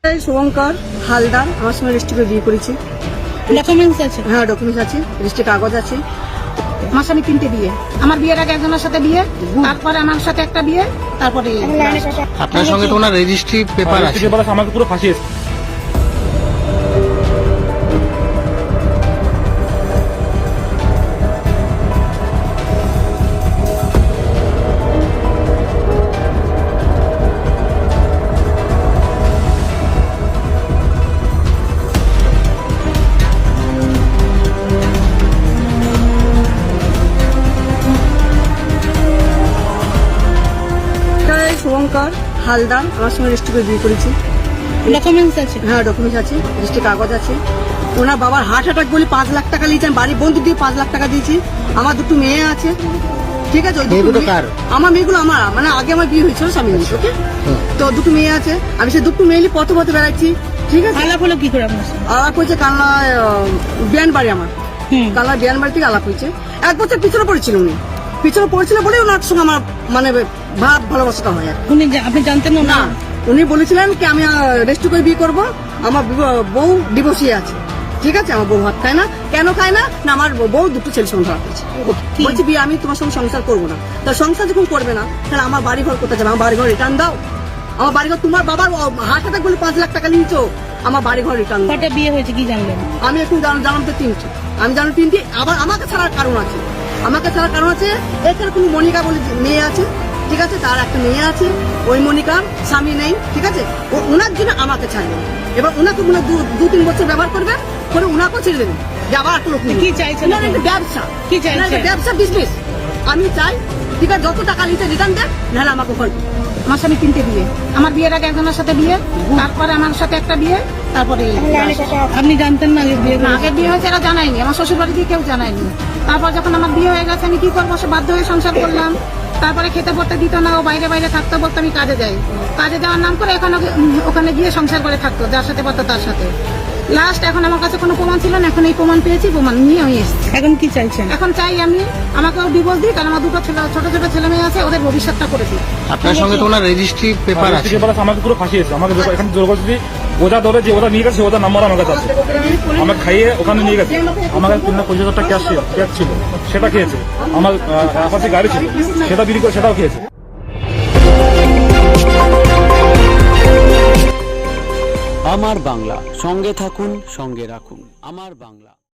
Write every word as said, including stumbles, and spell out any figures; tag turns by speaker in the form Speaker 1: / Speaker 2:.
Speaker 1: শুভঙ্কর হালদার আমার সঙ্গে রেজিস্ট্রি করে বিয়ে করেছি।
Speaker 2: ডকুমেন্টস আছে?
Speaker 1: হ্যাঁ ডকুমেন্টস আছে, রেজিস্ট্রি কাগজ আছে।
Speaker 2: আমার স্বামী তিনটে বিয়ে, আমার বিয়ের আগে একজনের সাথে বিয়ে, তারপরে আমার সাথে একটা বিয়ে, তারপরে
Speaker 3: আপনার সঙ্গে তো ওনার রেজিস্ট্রি পেপার আছে।
Speaker 4: পেপার আছে, আমাকে পুরো ফাঁসিয়েছে।
Speaker 1: শুভঙ্কর হালদার আমার সঙ্গে রেজিস্ট্রি করে বিয়ে করেছি।
Speaker 2: ডকুমেন্টস আছে?
Speaker 1: হ্যাঁ ডকুমেন্টস আছে, রেজিস্ট্রি কাগজ আছে। ওনার বাবার হার্ট অ্যাটাক বলে পাঁচ লাখ টাকা নিয়েছেন, বাড়ির বন্ধু দিয়ে পাঁচ লাখ টাকা দিয়েছি। আমার দুটো মেয়ে আছে, ঠিক আছে। ওই দুটো
Speaker 3: মেয়েগুলো
Speaker 1: মেয়ে-
Speaker 3: কার?
Speaker 1: আমার মেয়েগুলো আমার, মানে আগে আমার বিয়ে হয়েছিল স্বামী নিয়ে, ওকে। তো দুটো মেয়ে আছে, আমি সে দুটো মেয়ে নিয়ে পথে পথে বেড়াচ্ছি, ঠিক আছে।
Speaker 2: আলাপ হলো কি করে আপনার সাথে?
Speaker 1: আলাপ হয়েছে কালনা বিয়ান বাড়ি, আমার
Speaker 2: হুম।
Speaker 1: কালনা বিয়ান বাড়ি থেকে আলাপ হয়েছে। এক বছর পিছনে পড়েছিল উনি, পিছনে পড়েছিল বলে ওনার সঙ্গে আমার মানে ভাব ভালোবাসাটা হয় আর কি।
Speaker 2: উনি জা- আপনি জানতেন না?
Speaker 1: না, উনি বলেছিলেন কি আমি রেজিস্ট্রি করে বিয়ে করবো, আমার বিবাহ- বউ ডিভোর্সি আছে, ঠিক আছে। আমার বউ ভাত খায় না, কেন খায় না? না আমার বউ দুটো ছেলে সঙ্গে ধরা পড়েছে।
Speaker 2: কি?
Speaker 1: বলছি বিয়ে আমি তোমার সঙ্গে সংসার করবো না। তা সংসার যখন করবে না, তাহলে আমার বাড়ি ঘর কোথায় যাবে? আমার বাড়ি ঘর রিটার্ন দাও। আমার বাড়ি ঘর, তোমার বাবার হার্ট অ্যাটাক বলে পাঁচ লাখ টাকা নিয়েছো, আমার বাড়ি ঘর রিটার্ন দাও।
Speaker 2: কটা বিয়ে হয়েছে কি জানলেন?
Speaker 1: আমি এখন জান- জানলাম তো তিনটি, আমি জানো তিনটি। আবার আমাকে ছাড়ার কারণ আছে, আমাকে ছাড়ার কারণ আছে। এছাড়া কোনো মনিকা বলে যে মেয়ে আছে, ঠিক আছে, তার একটা মেয়ে আছে। ওই মনিকার স্বামী নেই, ঠিক আছে। ও ওনার জন্য আমাকে ছাড়বেন, এবার ওনাকে মনে হয় দু- দু তিন বছর ব্যবহার করবেন, করে ওনাকেও ছেড়ে দেবেন, যে আবার একটা লোক নিয়ে।
Speaker 2: কি চাইছেন
Speaker 1: না, না,
Speaker 2: আপনি?
Speaker 1: এটা ব্যবসা,
Speaker 2: কি চাইছেন?
Speaker 1: না, এটা ব্যবসা বিজনেস। আমি চাই, ঠিক আছে, যত টাকা নিতে রিটার্ন দেন, নাহলে আমাকে ঘর।
Speaker 2: আমার স্বামী তিনটে বিয়ে, আমার বিয়ের আগে একজনের সাথে বিয়ে, তারপরে আমার সাথে একটা বিয়ে, তারপরে আপনি জানতেন না আগে বিয়ে? না, আগে বিয়ে হয়েছে এরা জানায়নি, আমার শ্বশুর বাড়ি দিয়ে কেউ জানায়নি। তারপর যখন আমার বিয়ে হয়ে গেছে আমি কি করবো, সে বাধ্য হয়ে সংসার করলাম। তারপরে খেতে পড়তে দিত না, ও বাইরে বাইরে থাকতো, বলতো আমি কাজে যাই। কাজে যাওয়ার নাম করে এখন ওকে- উম, ওখানে গিয়ে সংসার করে থাকতো, যার সাথে পারতো তার সাথে। লাস্ট এখন আমার কাছে কোনো প্রমাণ ছিল না, এখন এই প্রমাণ পেয়েছি, প্রমাণ নিয়ে আমি এসেছি। এখন কি চাইছেন? এখন চাই আমি আমাকেও ডিভোর্স দিই, কারণ আমার দুটো ছেলে, ছোট ছোট ছেলে মেয়ে আছে, ওদের ভবিষ্যৎটা করে দিই।
Speaker 3: আপনার সঙ্গে তো ওনার রেজিস্ট্রি পেপার আছে।
Speaker 4: পেপার আছে, আমাকে পুরো ফাঁসিয়েছে। আমাকে জোর- এখানে জোর করে যদি ওজা ধরে, যে ওটা নিয়ে গেছে, ওটার নাম্বার আমার কাছে আছে। আমাকে খাইয়ে ওখানে নিয়ে গেছে। আমার কাছে তিন লাখ পঁচিশ হাজার টাকা ক্যাশ ছিল, ক্যাশ ছিল, সেটা খেয়েছে। আমার আহ, পাশে গাড়ি ছিল, সেটা বিক্রি করে সেটাও খেয়েছে।
Speaker 5: আমার বাংলা, সঙ্গে থাকুন, সঙ্গে রাখুন। আমার বাংলা।